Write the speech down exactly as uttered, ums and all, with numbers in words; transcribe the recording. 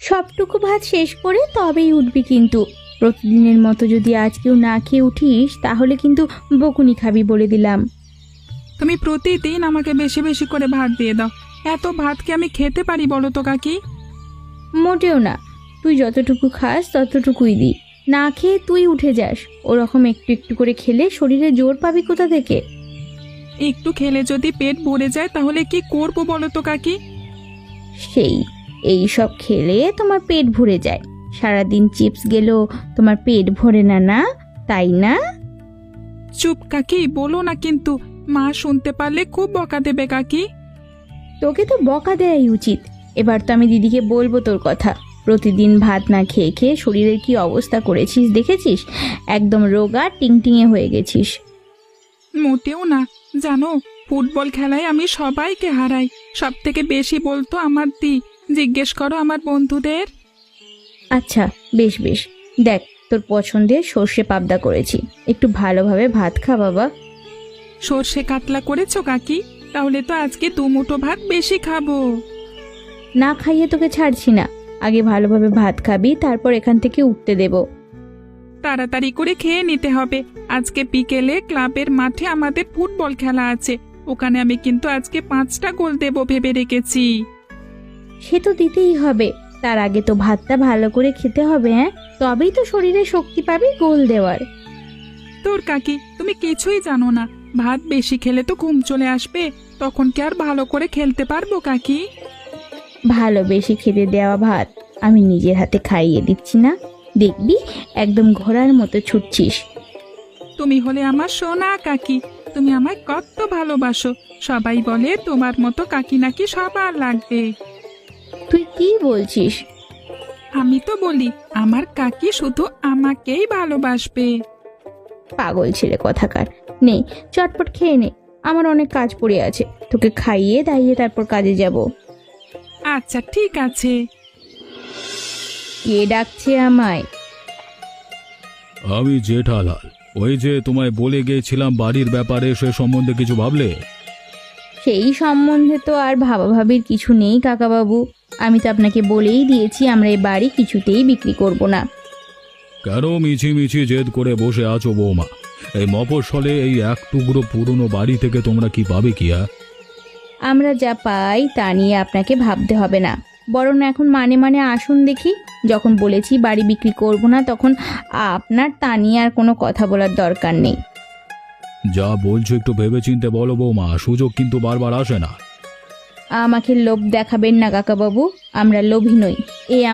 সবটুকু ভাত শেষ করে তবেই উঠবি কিন্তু। প্রতিদিনের মতো যদি আজকেও না খেয়ে উঠিস তাহলে কিন্তু বকুনি খাবি বলে দিলাম। তুমি প্রতিদিন আমাকে বেশি বেশি করে ভাত দিয়ে দাও, এত ভাত কি আমি খেতে পারি বলো তো কাকি? মোটেও না, তুই যতটুকু খাস ততটুকুই দি। না খেয়ে তুই উঠে যাস, ওরকম একটু একটু করে খেলে শরীরে জোর পাবি কোথা থেকে? একটু খেলে যদি পেট ভরে যায় তাহলে কি করব বলো তো কাকি? সেই এই সব খেলে তোমার পেট ভরে যায়। সারাদিন চিপস গেলেও তোমার পেট ভরে না, না তাই না? চুপ কাকি, বলো না কিন্তু, মা শুনতে পারলে খুব বকা দেবে কাকি। তোকে তো বকা দেয়াই উচিত। এবার তো আমি দিদিকে বলবো তোর কথা। প্রতিদিন ভাত না খেয়ে খেয়ে শরীরের কি অবস্থা করেছিস দেখেছিস? একদম রোগা টিংটিঙে হয়ে গেছিস। মোটেও না, জানো ফুটবল খেলায় আমি সবাইকে হারাই, সব থেকে বেশি বলতো আমার দি। জিজ্ঞেস করো আমার বন্ধুদের। আচ্ছা বেশ বেশ, দেখ তোর পছন্দের সর্ষে পাবদা করেছি, একটু ভালোভাবে ভাত খা বাবা। সর্ষে কাতলা করেছো কাকি? তাহলে তো আজকে দু মুঠো ভাত বেশি খাবো। না খাইয়ে তোকে ছাড়ছি না, আগে ভালোভাবে ভাত খাবি, তারপর এখান থেকে উঠতে দেব। তাড়াতাড়ি করে খেয়ে নিতে হবে, আজকে বিকেলে ক্লাবের মাঠে আমাদের ফুটবল খেলা আছে, ওখানে আমি কিন্তু আজকে পাঁচটা গোল দেব ভেবে রেখেছি। সে তো দিতেই হবে, তার আগে তো ভাতটা ভালো করে খেতে হবে। হ্যাঁ, তবেই তো শরীরে শক্তি পাবি গোল দেওয়ার। তোর কাকি, তুমি কিছুই জানো না, ভাত বেশি খেলে তো ঘুম চলে আসবে, তখন কি আর ভালো করে খেলতে পারবো কাকি? ভালো বেশি খেতে দেওয়া ভাত আমি নিজের হাতে খাইয়ে দিচ্ছি না, দেখবি একদম ঘোড়ার মতো ছুটছিস। তুমি হলে আমার সোনা কাকি, তুমি আমায় কত ভালোবাসো, সবাই বলে তোমার মতো কাকি নাকি সবার লাগবে। তুই কি বলছিস? আমি তো বলি আমার কাকি শুধু আমাকেই ভালোবাসবে। পাগল ছেলে কোথাকার। নে চটপট খেয়ে নে, আমার অনেক কাজ পড়ে আছে, তোকে খাইয়ে দাইয়ে তারপর কাজে যাব। আচ্ছা ঠিক আছে। কে ডাকছে আমায়? আমি জেঠালাল। ওই যে তোমায় বলে গিয়েছিলাম বাড়ির ব্যাপারে, সে সম্বন্ধে কিছু ভাবলে? সেই সম্বন্ধে তো আর ভাবাভাবির কিছু নেই কাকাবাবু। আমি তো আপনাকে বলেই দিয়েছি আমরা এই বাড়ি কিছুতেই বিক্রি করব না। কেন মিছি মিছি জেদ করে বসে আছো বৌমা? এই মফস্বলে এই এক টুকরো পুরনো বাড়ি থেকে তোমরা কি পাবে কি? হ্যাঁ, আমরা যা পাই তা নিয়ে আপনাকে ভাবতে হবে না, বরং এখন মানে মানে আসুন দেখি। যখন বলেছি বাড়ি বিক্রি করব না, তখন আপনার তা নিয়ে আর কোনো কথা বলার দরকার নেই। যা বলছো একটু ভেবেচিন্তে বলো বৌমা, সুযোগ কিন্তু বারবার আসে না। আমাকে লোভ দেখাবেন না কাকাবাবু, আমরা লোভী নই। এই